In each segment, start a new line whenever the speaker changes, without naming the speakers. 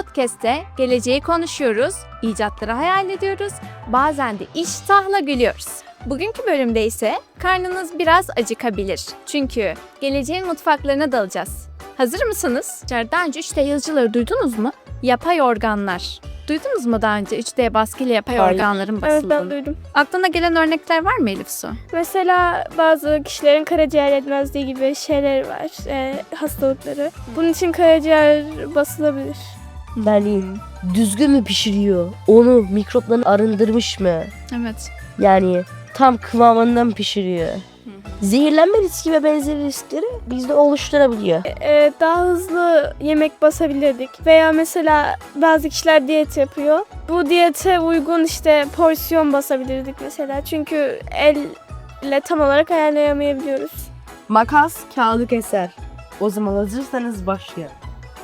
podcast'te geleceği konuşuyoruz, icatları hayal ediyoruz, bazen de iştahla gülüyoruz. Bugünkü bölümde ise karnınız biraz acıkabilir. Çünkü geleceğin mutfaklarına dalacağız. Hazır mısınız? Daha önce 3D yazıcıları duydunuz mu? Yapay organlar. Duydunuz mu daha önce 3D baskıyla yapay organların basıldığını?
Evet, ben duydum.
Aklına gelen örnekler var mı Elif Su?
Mesela bazı kişilerin karaciğer yetmezliği gibi şeyler var, hastalıkları. Bunun için karaciğer basılabilir.
Yani düzgün mü pişiriyor? Onu mikroplarını arındırmış mı?
Evet.
Yani tam kıvamından pişiriyor. Zehirlenme riski ve benzeri riskleri bizde oluşturabiliyor.
Daha hızlı yemek basabilirdik. Veya mesela bazı kişiler diyet yapıyor. Bu diyete uygun porsiyon basabilirdik mesela. Çünkü elle tam olarak ayarlayamayabiliyoruz.
Makas kağıdı keser. O zaman hazırsanız başlayalım.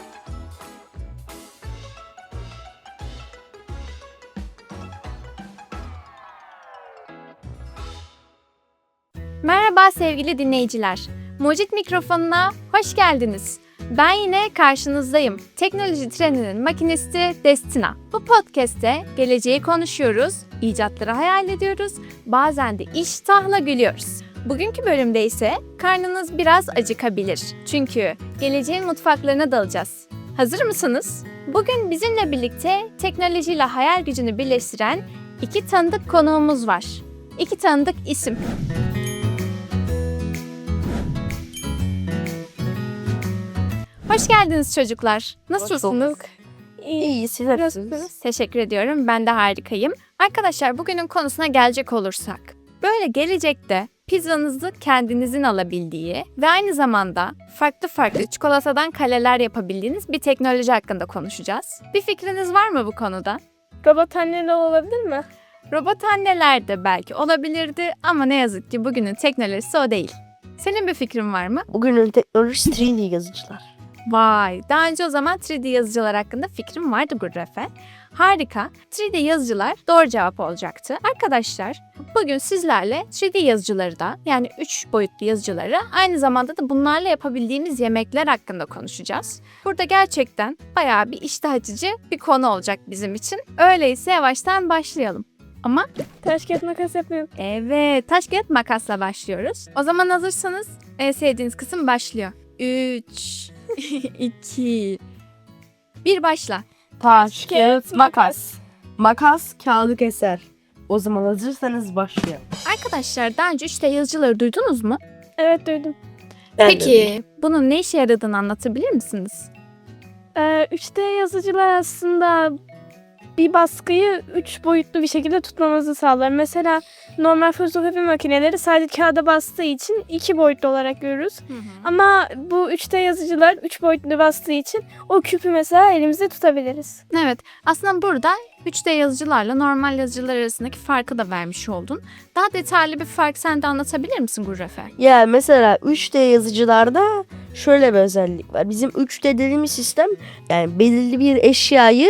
Merhaba sevgili dinleyiciler. Mucit mikrofonuna hoş geldiniz. Ben yine karşınızdayım. Teknoloji treninin makinisti Destina. Bu podcast'te geleceği konuşuyoruz, icatları hayal ediyoruz, bazen de iştahla gülüyoruz. Bugünkü bölümde ise karnınız biraz acıkabilir. Çünkü geleceğin mutfaklarına dalacağız. Hazır mısınız? Bugün bizimle birlikte teknolojiyle hayal gücünü birleştiren iki tanıdık konuğumuz var. İki tanıdık isim. Hoş geldiniz çocuklar. Nasılsınız?
İyi, siz nasılsınız?
Teşekkür ediyorum. Ben de harikayım. Arkadaşlar bugünün konusuna gelecek olursak. Böyle gelecekte pizzanızı kendinizin alabildiği ve aynı zamanda farklı çikolatadan kaleler yapabildiğiniz bir teknoloji hakkında konuşacağız. Bir fikriniz var mı bu konuda?
Robot anneler olabilir mi?
Robot anneler de belki olabilirdi ama ne yazık ki bugünün teknolojisi o değil. Senin bir fikrin var mı?
Bugünün teknolojisi 3D yazıcılar.
Vay, daha önce o zaman 3D yazıcılar hakkında fikrim vardı Gurrefe. Harika, 3D yazıcılar doğru cevap olacaktı. Arkadaşlar, bugün sizlerle 3D yazıcıları da yani 3 boyutlu yazıcıları aynı zamanda da bunlarla yapabildiğimiz yemekler hakkında konuşacağız. Burada gerçekten bayağı bir iştah açıcı bir konu olacak bizim için. Öyleyse yavaştan başlayalım. Ama
Taş kağıt makas yapıyorum.
evet, taş kağıt makasla başlıyoruz. O zaman hazırsanız en sevdiğiniz kısım başlıyor. 3, 2, 1 başla.
Taş, kağıt, makas. Makas kağıdı keser. O zaman hazırsanız başlayalım.
Arkadaşlar daha önce 3D yazıcıları duydunuz mu?
Evet, duydum.
Peki bunun ne işe yaradığını anlatabilir misiniz?
3D yazıcılar aslında bir baskıyı 3 boyutlu bir şekilde tutmamızı sağlar. Mesela normal fotokopi makineleri sadece kağıda bastığı için 2 boyutlu olarak görürüz. Ama bu 3D yazıcılar 3 boyutlu bastığı için o küpü mesela elimizde tutabiliriz.
Evet, aslında burada 3D yazıcılarla normal yazıcılar arasındaki farkı da vermiş oldun. Daha detaylı bir fark sen de anlatabilir misin Gurrefe?
Ya mesela 3D yazıcılarda şöyle bir özellik var. Bizim 3D dediğimiz sistem yani belirli bir eşyayı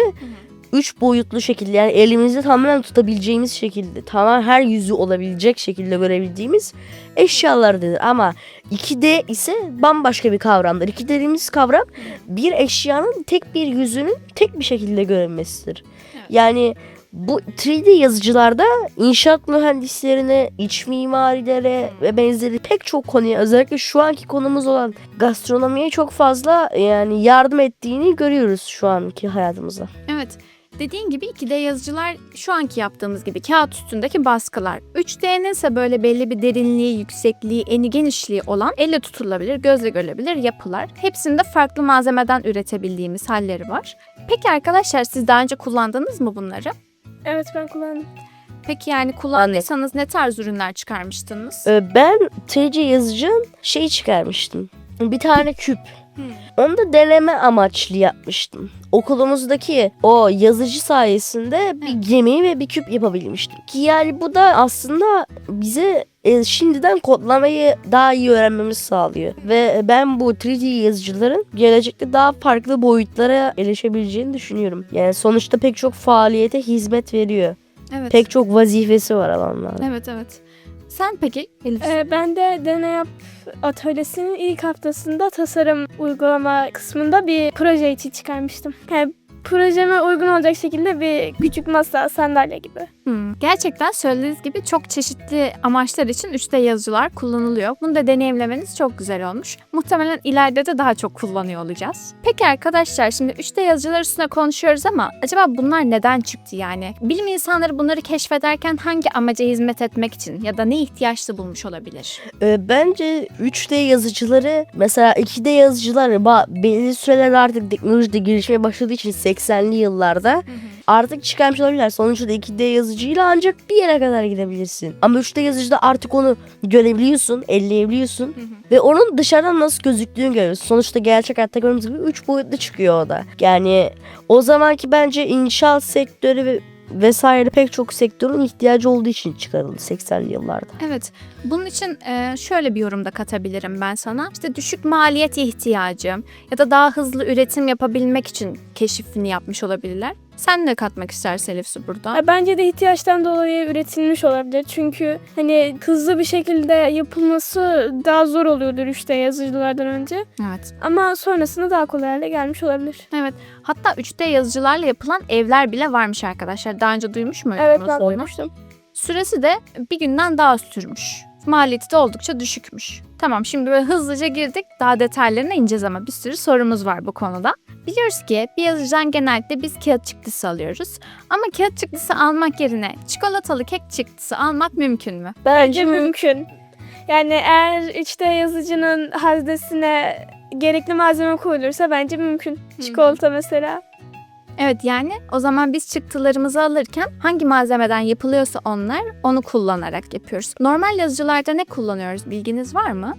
3 boyutlu şekilde yani elimizde tamamen tutabileceğimiz şekilde tamamen her yüzü olabilecek şekilde görebildiğimiz eşyalardır. Ama 2D ise bambaşka bir kavramdır. 2D dediğimiz kavram bir eşyanın tek bir yüzünün tek bir şekilde görünmesidir.
Evet.
Yani bu 3D yazıcılarda inşaat mühendislerine, iç mimarilere ve benzeri pek çok konuya özellikle şu anki konumuz olan gastronomiye çok fazla yani yardım ettiğini görüyoruz şu anki hayatımızda.
Evet. Dediğin gibi 2D yazıcılar şu anki yaptığımız gibi kağıt üstündeki baskılar. 3D'nin ise böyle belli bir derinliği, yüksekliği, eni genişliği olan elle tutulabilir, gözle görülebilir yapılar. Hepsinde farklı malzemeden üretebildiğimiz halleri var. Peki arkadaşlar siz daha önce kullandınız mı bunları?
Evet, ben kullandım.
Peki yani kullandıysanız ne tarz ürünler çıkarmıştınız?
Ben 3D yazıcının çıkarmıştım. Bir tane küp. Onu da deneme amaçlı yapmıştım. Okulumuzdaki o yazıcı sayesinde bir gemi ve bir küp yapabilmiştim. Ki yani bu da aslında bize şimdiden kodlamayı daha iyi öğrenmemizi sağlıyor. Ve ben bu 3D yazıcıların gelecekte daha farklı boyutlara erişebileceğini düşünüyorum. Yani sonuçta pek çok faaliyete hizmet veriyor.
Evet.
Pek çok vazifesi var alanlarda.
Evet. Sen peki Elif?
Ben de Deney Yap atölyesinin ilk haftasında tasarım uygulama kısmında bir proje için çıkarmıştım. Yani projeme uygun olacak şekilde bir küçük masa, sandalye gibi.
Gerçekten söylediğiniz gibi çok çeşitli amaçlar için 3D yazıcılar kullanılıyor. Bunu da deneyimlemeniz çok güzel olmuş. Muhtemelen ileride de daha çok kullanıyor olacağız. Peki arkadaşlar, şimdi 3D yazıcılar üstüne konuşuyoruz ama acaba bunlar neden çıktı yani? Bilim insanları bunları keşfederken hangi amaca hizmet etmek için ya da ne ihtiyaçlı bulmuş olabilir?
Bence 3D yazıcıları, mesela 2D yazıcılar belli süreler artık teknolojide gelişmeye başladığı için 80'li yıllarda artık çıkarmış olabilirler. Sonuçta 2D yazıcıyla ancak bir yere kadar gidebilirsin. Ama 3D yazıcıda artık onu görebiliyorsun, elleyebiliyorsun ve onun dışarıdan nasıl gözüktüğünü görüyorsun. Sonuçta gerçek hayatta gördüğümüz gibi 3 boyutlu çıkıyor o da. Yani o zamanki bence inşaat sektörü ve vesaire pek çok sektörün ihtiyacı olduğu için çıkarıldı 80'li yıllarda.
Evet, bunun için şöyle bir yorum da katabilirim ben sana. İşte düşük maliyet ihtiyacı ya da daha hızlı üretim yapabilmek için keşifini yapmış olabilirler. Sen ne katmak istersin Elif Su burada?
Bence de ihtiyaçtan dolayı üretilmiş olabilir. Çünkü hani hızlı bir şekilde yapılması daha zor oluyordur 3D yazıcılardan önce.
Evet.
Ama sonrasında daha kolay hale gelmiş olabilir.
Evet. Hatta 3D yazıcılarla yapılan evler bile varmış arkadaşlar. Daha önce duymuş muydunuz?
Evet, ben
bunu?
duymuştum.
Süresi de bir günden daha az sürmüş. Maliyeti de oldukça düşükmüş. Tamam, şimdi böyle hızlıca girdik. Daha detaylarına ineceğiz ama bir sürü sorumuz var bu konuda. Biliyoruz ki bir yazıcıdan genellikle biz kağıt çıktısı alıyoruz. Ama kağıt çıktısı almak yerine çikolatalı kek çıktısı almak mümkün mü?
Bence mümkün. Yani eğer 3D yazıcının haznesine gerekli malzeme koyulursa bence mümkün. Çikolata mesela.
Evet, yani o zaman biz çıktılarımızı alırken hangi malzemeden yapılıyorsa onu kullanarak yapıyoruz. Normal yazıcılarda ne kullanıyoruz, bilginiz var mı?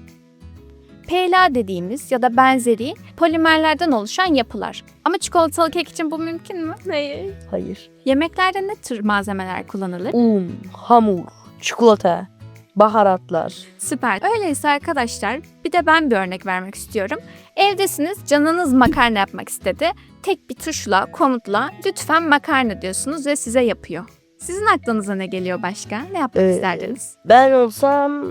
PLA dediğimiz ya da benzeri polimerlerden oluşan yapılar. Ama çikolatalı kek için bu mümkün mü?
Hayır.
Hayır.
Yemeklerde ne tür malzemeler kullanılır?
Un, hamur, çikolata, baharatlar.
Süper. Öyleyse arkadaşlar, bir de ben bir örnek vermek istiyorum. Evdesiniz, canınız makarna yapmak istedi. Tek bir tuşla, komutla lütfen makarna diyorsunuz ve size yapıyor. Sizin aklınıza ne geliyor başka? Ne yapmak isterdiniz?
Ben olsam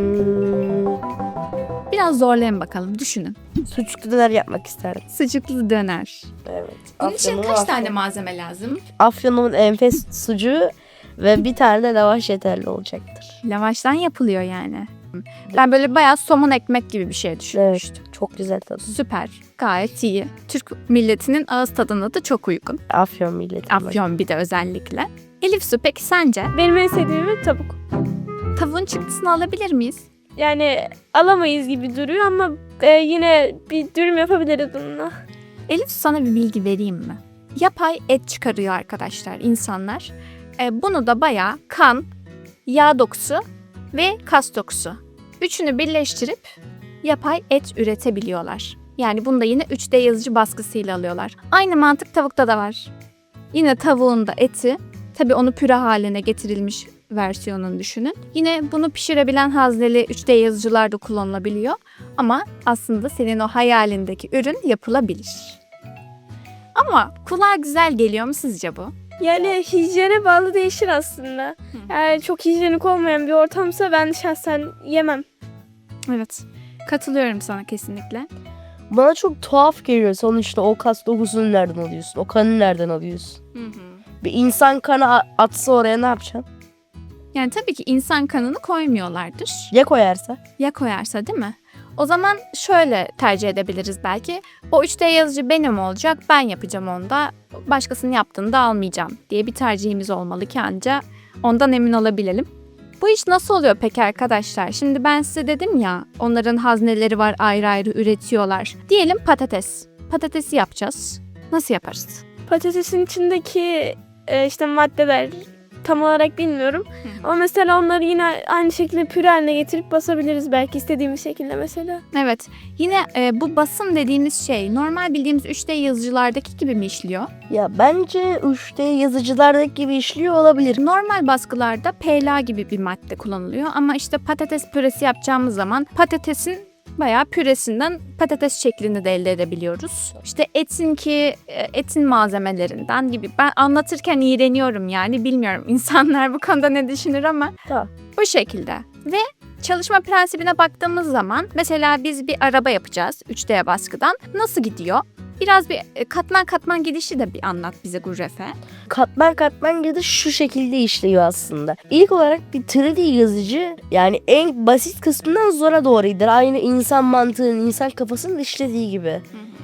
Biraz zorlayın bakalım, düşünün.
sucuklu döner yapmak isterdim.
Sucuklu döner.
Evet.
Bunun için kaç tane malzeme lazım?
Afyon'un enfes sucuğu ve bir tane de lavaş yeterli olacaktır.
Lavaştan yapılıyor yani. Ben böyle bayağı somun ekmek gibi bir şey düşünmüştüm.
Çok güzel tadı.
Süper. Gayet iyi. Türk milletinin ağız tadına da çok uygun.
Afyon milleti.
Afyon bir de özellikle. Elif Su, peki sence?
Benim en sevdiğim tavuk.
Tavuğun çıktısını alabilir miyiz?
Yani alamayız gibi duruyor ama yine bir dürüm yapabiliriz bununla.
Elif, sana bir bilgi vereyim mi? Yapay et çıkarıyor arkadaşlar insanlar. Bunu da bayağı kan, yağ dokusu ve kas dokusu. Üçünü birleştirip yapay et üretebiliyorlar. Yani bunu da yine 3D yazıcı baskısıyla alıyorlar. Aynı mantık tavukta da var. Yine tavuğun da eti, tabii onu püre haline getirilmiş versiyonunu düşünün. Yine bunu pişirebilen hazneli 3D yazıcılar da kullanılabiliyor. Ama aslında senin o hayalindeki ürün yapılabilir. Ama kulağa güzel geliyor mu sizce bu?
Yani hijyene bağlı değişir aslında. Yani çok hijyenik olmayan bir ortamsa ben şahsen yemem.
Evet. Katılıyorum sana kesinlikle.
Bana çok tuhaf geliyor. Sonuçta o kas dokusunu nereden alıyorsun? O kanı nereden alıyorsun? Bir insan kanı atsa oraya ne yapacaksın?
Yani tabii ki insan kanını koymuyorlardır.
Ya koyarsa?
Ya koyarsa, değil mi? O zaman şöyle tercih edebiliriz belki. O 3D yazıcı benim olacak, ben yapacağım onda. Başkasının yaptığını da almayacağım diye bir tercihimiz olmalı ki anca ondan emin olabilelim. Bu iş nasıl oluyor peki arkadaşlar? Şimdi ben size dedim ya, onların hazneleri var, ayrı ayrı üretiyorlar. Diyelim patates. Patatesi yapacağız. Nasıl yaparız?
Patatesin içindeki işte maddeler tam olarak bilmiyorum. Ama mesela onları yine aynı şekilde püre haline getirip basabiliriz belki istediğimiz şekilde mesela.
Evet. Yine bu basım dediğimiz şey normal bildiğimiz 3D yazıcılardaki gibi mi işliyor?
Ya bence 3D yazıcılardaki gibi işliyor olabilir.
Normal baskılarda PLA gibi bir madde kullanılıyor ama işte patates püresi yapacağımız zaman patatesin bayağı püresinden patates şeklini de elde edebiliyoruz. İşte etin malzemelerinden gibi. Ben anlatırken iğreniyorum yani, bilmiyorum insanlar bu konuda ne düşünür ama
Tamam.
bu şekilde. Ve çalışma prensibine baktığımız zaman mesela biz bir araba yapacağız 3D baskıdan. Nasıl gidiyor? Biraz bir katman katman gidişi de bir anlat bize Gurrefe.
Katman katman gidiş şu şekilde işliyor aslında. İlk olarak bir 3D yazıcı yani en basit kısmından zora doğru gider. Aynı insan mantığının, insan kafasının işlediği gibi.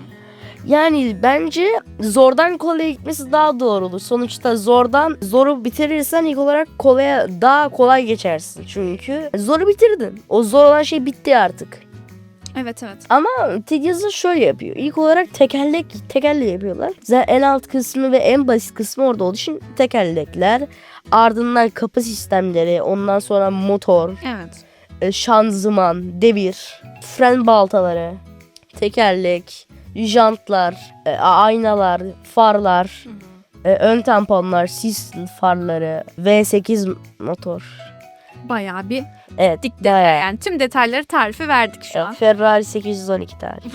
Yani bence zordan kolaya gitmesi daha doğru olur. Sonuçta zoru bitirirsen ilk olarak kolaya daha kolay geçersin. Çünkü zoru bitirdin. O zor olan bitti artık.
Evet.
Ama yazı şöyle yapıyor. İlk olarak tekerlek yapıyorlar. Zaten en alt kısmı ve en basit kısmı orada olduğu için tekerlekler. Ardından kapı sistemleri, ondan sonra motor,
Evet.
şanzıman, devir, fren baltaları, tekerlek, jantlar, aynalar, farlar, ön tamponlar, sis farları, V8 motor.
Bayağı bir
Evet.
bayağı. Yani tüm detayları tarifi verdik şu an.
Ferrari 812 tarihi.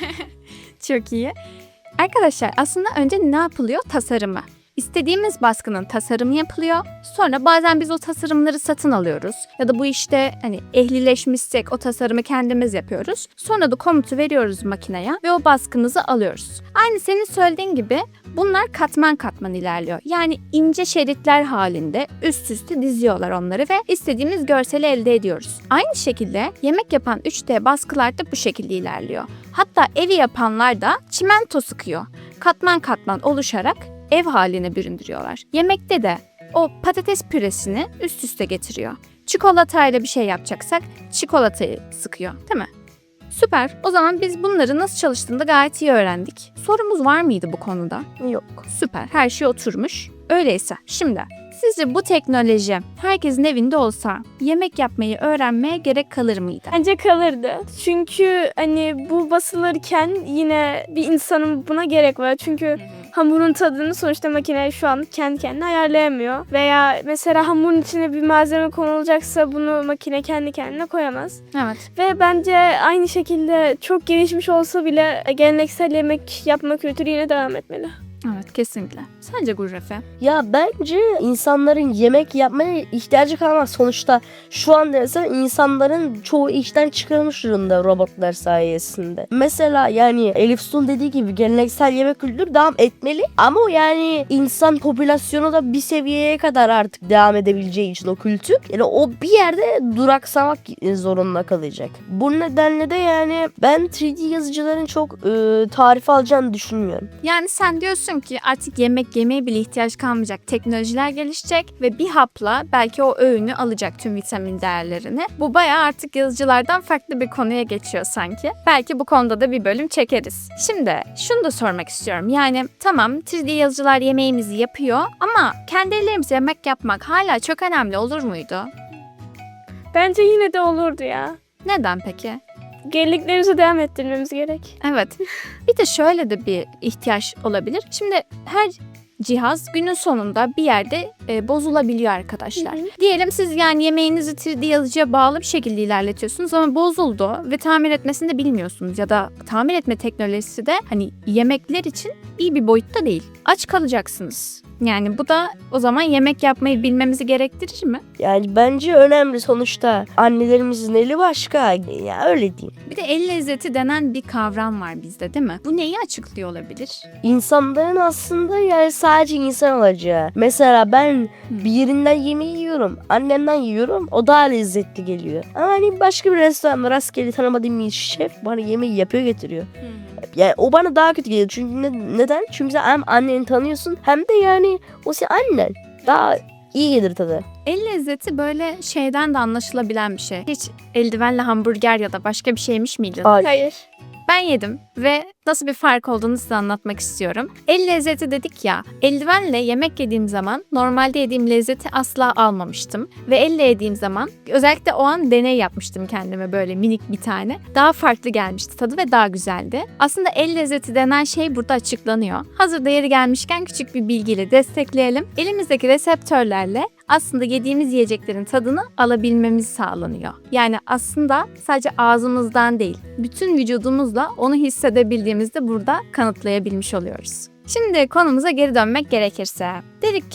Çok iyi. Arkadaşlar aslında önce ne yapılıyor? Tasarımı. İstediğimiz baskının tasarımı yapılıyor. Sonra bazen biz o tasarımları satın alıyoruz. Ya da bu işte hani ehlileşmişsek o tasarımı kendimiz yapıyoruz. Sonra da komutu veriyoruz makineye ve o baskımızı alıyoruz. Aynı senin söylediğin gibi bunlar katman katman ilerliyor. Yani ince şeritler halinde üst üste diziyorlar onları ve istediğimiz görseli elde ediyoruz. Aynı şekilde yemek yapan 3D baskılar da bu şekilde ilerliyor. Hatta evi yapanlar da çimento sıkıyor. Katman katman oluşarak ev haline büründürüyorlar. Yemekte de o patates püresini üst üste getiriyor. Çikolatayla bir şey yapacaksak çikolatayı sıkıyor, değil mi? Süper. O zaman biz bunları nasıl çalıştığını da gayet iyi öğrendik. Sorumuz var mıydı bu konuda?
Yok.
Süper. Her şey oturmuş. Öyleyse şimdi sizce bu teknoloji herkesin evinde olsa yemek yapmayı öğrenmeye gerek kalır mıydı?
Bence kalırdı. Çünkü hani bu basılırken yine bir insanın buna gerek var. Çünkü hamurun tadını sonuçta makine şu an kendi kendine ayarlayamıyor. Veya mesela hamurun içine bir malzeme konulacaksa bunu makine kendi kendine koyamaz.
Evet.
Ve bence aynı şekilde çok gelişmiş olsa bile geleneksel yemek yapma kültürü yine devam etmeli.
Evet, kesinlikle. Sence Gurrefe?
Ya bence insanların yemek yapmaya ihtiyacı kalmaz. Sonuçta şu an mesela insanların çoğu işten çıkarılmış durumda robotlar sayesinde. Mesela yani Elif Su'nun dediği gibi geleneksel yemek kültürü devam etmeli. Ama yani insan popülasyonu da bir seviyeye kadar artık devam edebileceği için o kültür. Yani o bir yerde duraksamak zorunda kalacak. Bu nedenle de yani ben 3D yazıcıların çok tarif alacağını düşünmüyorum.
Yani sen diyorsun ki artık yemek yemeye bile ihtiyaç kalmayacak. Teknolojiler gelişecek ve bir hapla belki o öğünü alacak tüm vitamin değerlerini. Bu bayağı artık yazıcılardan farklı bir konuya geçiyor sanki. Belki bu konuda da bir bölüm çekeriz. Şimdi şunu da sormak istiyorum. Yani tamam 3D yazıcılar yemeğimizi yapıyor ama kendi ellerimizle yemek yapmak hala çok önemli olur muydu?
Bence yine de olurdu ya.
Neden peki?
Geleneklerimizi devam ettirmemiz gerek.
Evet. Bir de şöyle de bir ihtiyaç olabilir. Şimdi her cihaz günün sonunda bir yerde bozulabiliyor arkadaşlar. Diyelim siz yani yemeğinizi 3D yazıcıya bağlı bir şekilde ilerletiyorsunuz ama bozuldu ve tamir etmesini de bilmiyorsunuz ya da tamir etme teknolojisi de hani yemekler için iyi bir boyutta değil. Aç kalacaksınız. Yani bu da o zaman yemek yapmayı bilmemizi gerektirir mi?
Yani bence önemli sonuçta annelerimizin eli başka ya öyle diyeyim.
Bir de el lezzeti denen bir kavram var bizde değil mi? Bu neyi açıklıyor olabilir?
İnsanların aslında yani sadece insan olacağı. Mesela ben birinden yemeği yiyorum. Annemden yiyorum. O daha lezzetli geliyor. Ama hani başka bir restoranda rastgele tanımadığım bir şef bana yemeği yapıyor getiriyor. Yani o bana daha kötü geliyor. Çünkü neden? Çünkü sen hem anneni tanıyorsun hem de yani o senin annen. Daha iyi gelir tadı.
El lezzeti böyle şeyden de anlaşılabilen bir şey. Hiç eldivenle hamburger ya da başka bir şey yemiş miydin?
Hayır.
Ben yedim ve nasıl bir fark olduğunu size anlatmak istiyorum. El lezzeti dedik ya, eldivenle yemek yediğim zaman normalde yediğim lezzeti asla almamıştım. Ve elle yediğim zaman özellikle o an deney yapmıştım kendime böyle minik bir tane. Daha farklı gelmişti tadı ve daha güzeldi. Aslında el lezzeti denen şey burada açıklanıyor. Hazırda yeri gelmişken küçük bir bilgiyle destekleyelim. Elimizdeki reseptörlerle aslında yediğimiz yiyeceklerin tadını alabilmemiz sağlanıyor. Yani aslında sadece ağzımızdan değil, bütün vücudumuzla onu hissedebildiğimizde burada kanıtlayabilmiş oluyoruz. Şimdi konumuza geri dönmek gerekirse, dedik ki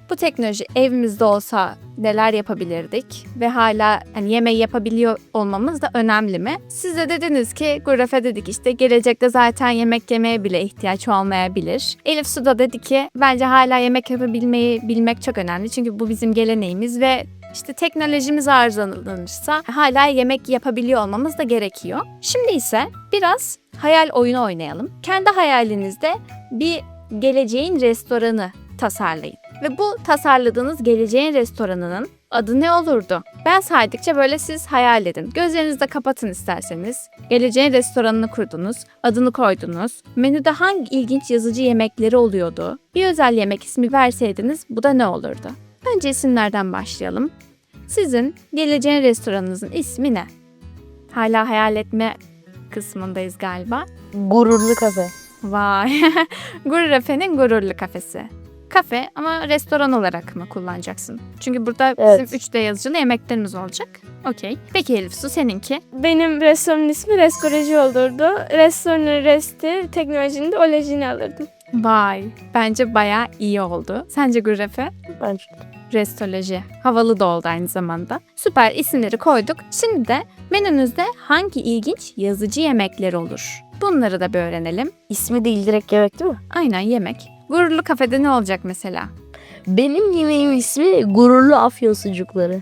bu teknoloji evimizde olsa neler yapabilirdik ve hala hani yemeği yapabiliyor olmamız da önemli mi? Siz de dediniz ki Gurrefe dedik işte gelecekte zaten yemek yemeye bile ihtiyaç olmayabilir. Elif Su da dedi ki bence hala yemek yapabilmeyi bilmek çok önemli. Çünkü bu bizim geleneğimiz ve işte teknolojimiz arızalanırsa hala yemek yapabiliyor olmamız da gerekiyor. Şimdi ise biraz hayal oyunu oynayalım. Kendi hayalinizde bir geleceğin restoranı tasarlayın. Ve bu tasarladığınız geleceğin restoranının adı ne olurdu? Ben saydıkça böyle siz hayal edin. Gözlerinizi de kapatın isterseniz. Geleceğin restoranını kurdunuz, adını koydunuz. Menüde hangi ilginç yazıcı yemekleri oluyordu? Bir özel yemek ismi verseydiniz bu da ne olurdu? Önce isimlerden başlayalım. Sizin geleceğin restoranınızın ismi ne? Hala hayal etme kısmındayız galiba.
Gururlu kafe.
Vay. Gurrefe'nin gururlu kafesi. Kafe ama restoran olarak mı kullanacaksın? Çünkü burada
Evet.
bizim 3D yazıcılı yemeklerimiz olacak. Okey. Peki Elif Su seninki?
Benim restoranın ismi Reskoreji olurdu. Restoranın resti, teknolojinin de olejini alırdım.
Vay. Bence bayağı iyi oldu. Sence Gurrefe?
Bence
Restoloji. Havalı da oldu aynı zamanda. Süper isimleri koyduk. Şimdi de menünüzde hangi ilginç yazıcı yemekler olur? Bunları da bir öğrenelim.
ismi değil, direkt yemek değil mi?
Aynen yemek. Gururlu kafede ne olacak mesela?
Benim yemeğim ismi gururlu afyon sucukları.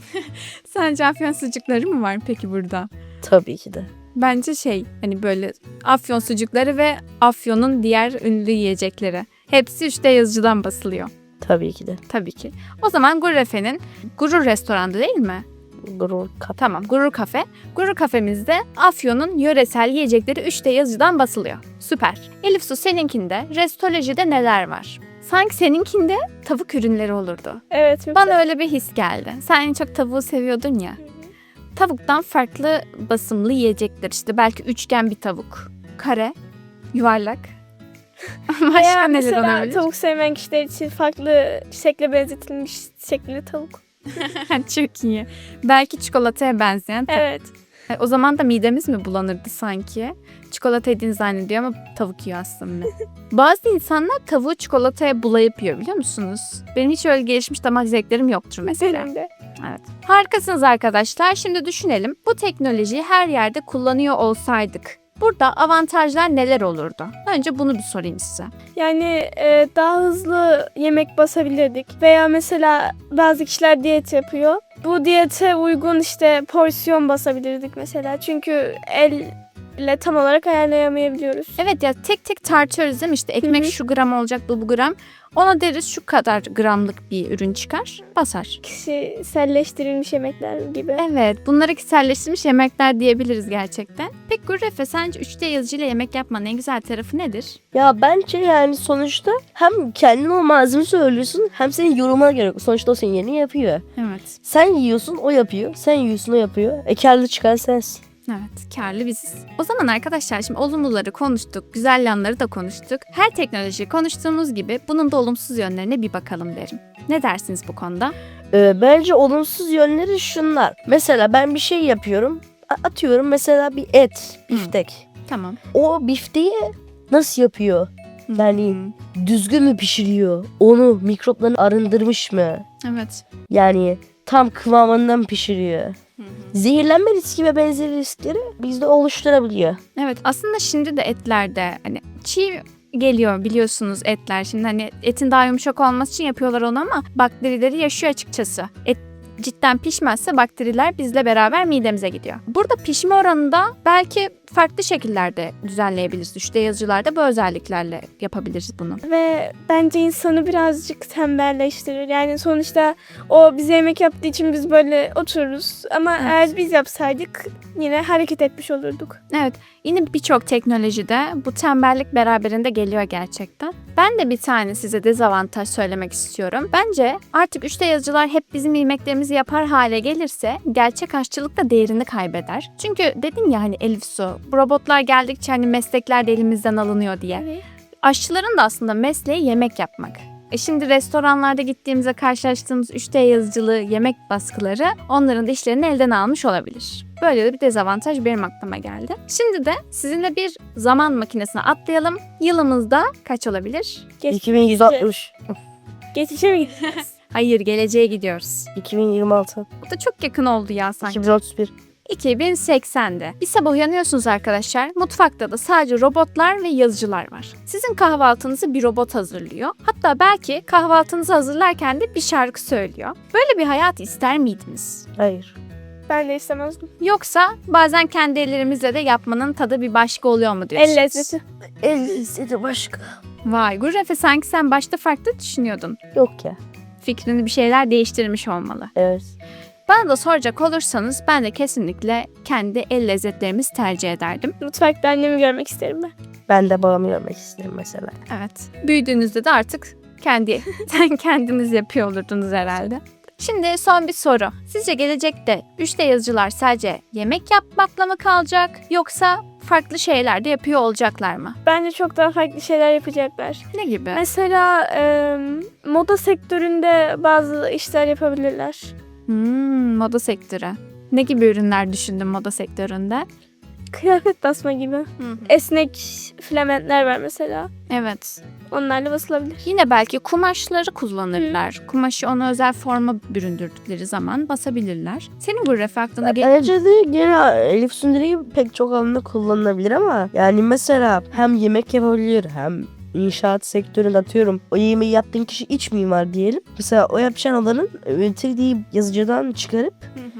Sence afyon sucukları mı var peki burada?
Tabii ki de.
Bence hani böyle afyon sucukları ve afyonun diğer ünlü yiyecekleri. Hepsi 3D yazıcıdan basılıyor.
Tabii ki de.
Tabii ki. O zaman Gurrefe'nin Gurur Restoran'da değil mi?
Gurur kafe.
Tamam, Gurur Kafe. Gurur Kafemizde Afyon'un yöresel yiyecekleri 3D yazıcıdan basılıyor. Süper. Elif Su seninkinde Restolojide neler var? Sanki seninkinde tavuk ürünleri olurdu.
Evet.
Bana öyle bir his geldi. Sen en çok tavuğu seviyordun ya. Tavuktan farklı basımlı yiyecekler işte. Belki üçgen bir tavuk. Kare, yuvarlak. Başka
Veya
neler
mesela
olabilir?
tavuk sevmeyen kişiler için farklı şekle benzetilmiş şekilli tavuk.
Çok iyi. Belki çikolataya benzeyen.
Evet.
O zaman da midemiz mi bulanırdı sanki? Çikolata yediğini zannediyor ama tavuk yiyor aslında. Bazı insanlar tavuğu çikolataya bulayıp yiyor biliyor musunuz? Benim hiç öyle gelişmiş damak zevklerim yoktur mesela.
Benim de.
Evet. Harikasınız arkadaşlar. Şimdi düşünelim. Bu teknolojiyi her yerde kullanıyor olsaydık burada avantajlar neler olurdu? Önce bunu bir sorayım size.
Yani daha hızlı yemek basabilirdik. Veya mesela bazı kişiler diyet yapıyor. Bu diyete uygun işte porsiyon basabilirdik mesela. Çünkü elle tam olarak ayarlayamayabiliyoruz.
Evet ya tek tek tartıyoruz değil mi? İşte ekmek
Hı hı.
şu gram olacak bu gram. Ona deriz şu kadar gramlık bir ürün çıkar. Basar.
Kişiselleştirilmiş yemekler gibi.
Evet, bunları kişiselleştirilmiş yemekler diyebiliriz gerçekten. Peki Gurrefe sence 3D yazıcıyla yemek yapmanın en güzel tarafı nedir?
Ya bence yani sonuçta hem kendin o malzeme söylüyorsun hem senin yorumuna göre. Sonuçta o senin yerini yapıyor.
Evet.
Sen yiyorsun o yapıyor. Sen yiyorsun o yapıyor. Kârlı çıkan sensin.
Evet, kârlı biziz. O zaman arkadaşlar şimdi olumluları konuştuk, güzel yanları da konuştuk. Her teknolojiyi konuştuğumuz gibi bunun da olumsuz yönlerine bir bakalım derim. Ne dersiniz bu konuda?
Bence olumsuz yönleri şunlar. Mesela ben bir şey yapıyorum. Atıyorum mesela bir et, biftek.
Tamam.
O bifteyi nasıl yapıyor? Yani
Hmm.
düzgün mü pişiriyor? Onu mikroplarını arındırmış mı?
Evet.
Yani tam kıvamından pişiriyor. Zehirlenme riski ve benzeri riskleri bizde oluşturabiliyor.
Evet, aslında şimdi de etlerde hani çiğ geliyor biliyorsunuz etler. Şimdi hani etin daha yumuşak olması için yapıyorlar onu ama bakterileri yaşıyor açıkçası. Et cidden pişmezse bakteriler bizle beraber midemize gidiyor. Burada pişme oranında belki farklı şekillerde düzenleyebiliriz. 3D yazıcılarda bu özelliklerle yapabiliriz bunu.
Ve bence insanı birazcık tembelleştirir. Yani sonuçta o bize yemek yaptığı için biz böyle otururuz. Ama
Evet.
eğer biz yapsaydık yine hareket etmiş olurduk.
Evet, yine birçok teknolojide bu tembellik beraberinde geliyor gerçekten. Ben de bir tane size dezavantaj söylemek istiyorum. Bence artık 3D yazıcılar hep bizim yemeklerimizi yapar hale gelirse gerçek aşçılık da değerini kaybeder. Çünkü dedin ya hani Elif Su, bu robotlar geldikçe hani meslekler de elimizden alınıyor diye. Aşçıların da aslında mesleği yemek yapmak. Şimdi restoranlarda gittiğimizde karşılaştığımız 3D yazıcılı yemek baskıları onların da işlerini elden almış olabilir. Böyle de bir dezavantaj benim aklıma geldi. Şimdi de sizinle bir zaman makinesine atlayalım. Yılımızda kaç olabilir?
2160.
Geçişe mi gideceğiz?
Hayır, geleceğe gidiyoruz.
2026.
Bu da çok yakın oldu ya sanki.
2031.
2080'de. Bir sabah uyanıyorsunuz arkadaşlar. Mutfakta da sadece robotlar ve yazıcılar var. Sizin kahvaltınızı bir robot hazırlıyor. Hatta belki kahvaltınızı hazırlarken de bir şarkı söylüyor. Böyle bir hayat ister miydiniz?
Hayır.
Ben de istemezdim.
Yoksa bazen kendi ellerimizle de yapmanın tadı bir başka oluyor mu diyorsunuz?
El lezzeti.
El lezzeti başka.
Vay Gurrefe, sanki sen başta farklı düşünüyordun.
Yok ya.
Fikrini bir şeyler değiştirmiş olmalı.
Evet.
Bana da soracak olursanız ben de kesinlikle kendi el lezzetlerimizi tercih ederdim.
Mutfakta annemi görmek isterim ben.
Ben de babamı görmek isterim mesela.
Evet. Büyüdüğünüzde de artık kendiniz yapıyor olurdunuz herhalde. Şimdi son bir soru. Sizce gelecekte 3D yazıcılar sadece yemek yapmakla mı kalacak yoksa farklı şeyler de yapıyor olacaklar mı?
Bence çok daha farklı şeyler yapacaklar.
Ne gibi?
Mesela moda sektöründe bazı işler yapabilirler.
Moda sektörü. Ne gibi ürünler düşündün moda sektöründe?
Kıyafet basma gibi. Esnek filamentler var mesela.
Evet.
Onlarla basılabilir.
Yine belki kumaşları kullanırlar. Kumaşı ona özel forma büründürdükleri zaman basabilirler. Senin bu ref aklına
Bence de gene Elif Sündürü gibi pek çok alanda kullanılabilir ama yani mesela hem yemek yapabilir hem inşaat sektöründe atıyorum. O yemeği yaptığın kişi iç mimar diyelim. Mesela o yapacağın alanın 3D yazıcıdan çıkarıp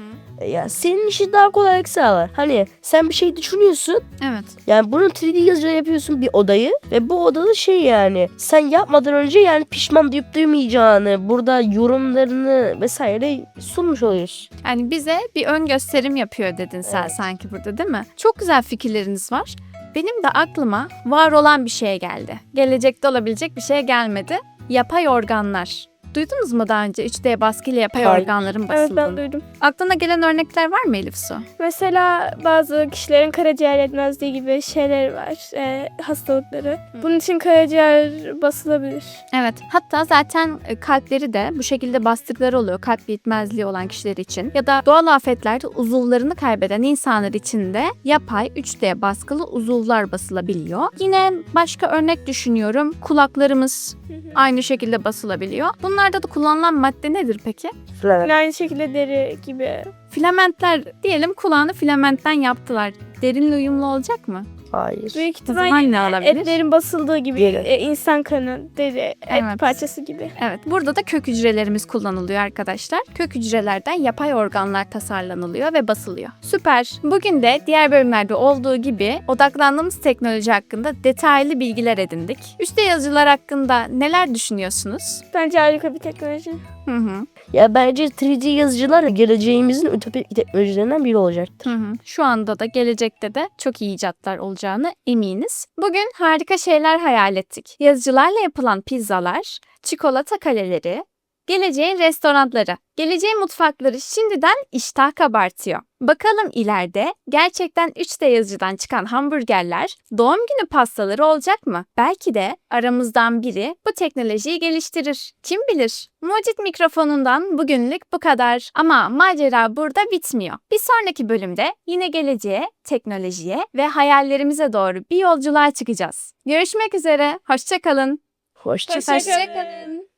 ya senin işi daha kolaylık sağlar. Hani sen bir şey düşünüyorsun.
Evet.
Yani bunu 3D yazıcıda yapıyorsun bir odayı ve bu odada şey yani sen yapmadan önce yani pişman duyup duymayacağını burada yorumlarını vesaire sunmuş oluyorsun.
Yani bize bir ön gösterim yapıyor dedin sen
Evet.
sanki burada, değil mi? Çok güzel fikirleriniz var. Benim de aklıma var olan bir şey geldi. Gelecekte olabilecek bir şey gelmedi. Yapay organlar. Duydunuz mu daha önce 3D baskıyla yapay
Hayır.
organların
Evet,
basıldığını?
ben duydum.
Aklına gelen örnekler var mı Elif Su?
Mesela bazı kişilerin karaciğer yetmezliği gibi şeyler var. Hastalıkları. Bunun için karaciğer basılabilir.
Evet. Hatta zaten kalpleri de bu şekilde bastıkları oluyor. Kalp yetmezliği olan kişiler için. Ya da doğal afetlerde uzuvlarını kaybeden insanlar için de yapay 3D baskılı uzuvlar basılabiliyor. Yine başka örnek düşünüyorum. Kulaklarımız aynı şekilde basılabiliyor. Bunlarda da kullanılan madde nedir peki?
Falan.
Yine aynı şekilde deri gibi.
Filamentler diyelim, kulağını filamentten yaptılar. Derinle uyumlu olacak mı?
Hayır.
Büyük
O zaman
ihtimal
ne alabilir?
etlerin basıldığı gibi.
Deri.
İnsan kanı, deri,
Evet.
et parçası gibi.
Evet, burada da kök hücrelerimiz kullanılıyor arkadaşlar. Kök hücrelerden yapay organlar tasarlanılıyor ve basılıyor. Süper. Bugün de diğer bölümlerde olduğu gibi odaklandığımız teknoloji hakkında detaylı bilgiler edindik. 3D yazıcılar hakkında neler düşünüyorsunuz?
Bence harika bir teknoloji.
Hı hı.
Ya bence 3D yazıcılar geleceğimizin ütopik teknolojilerinden biri olacaktır.
Hı hı. Şu anda da gelecekte de çok iyi icatlar olacağını eminiz. Bugün harika şeyler hayal ettik. Yazıcılarla yapılan pizzalar, çikolata kaleleri, geleceğin restoranları, geleceğin mutfakları şimdiden iştah kabartıyor. Bakalım ileride gerçekten 3D yazıcıdan çıkan hamburgerler, doğum günü pastaları olacak mı? Belki de aramızdan biri bu teknolojiyi geliştirir. Kim bilir? Mucit mikrofonundan bugünlük bu kadar. Ama macera burada bitmiyor. Bir sonraki bölümde yine geleceğe, teknolojiye ve hayallerimize doğru bir yolculuğa çıkacağız. Görüşmek üzere, hoşça kalın.
Hoşça
Hoşça kalın.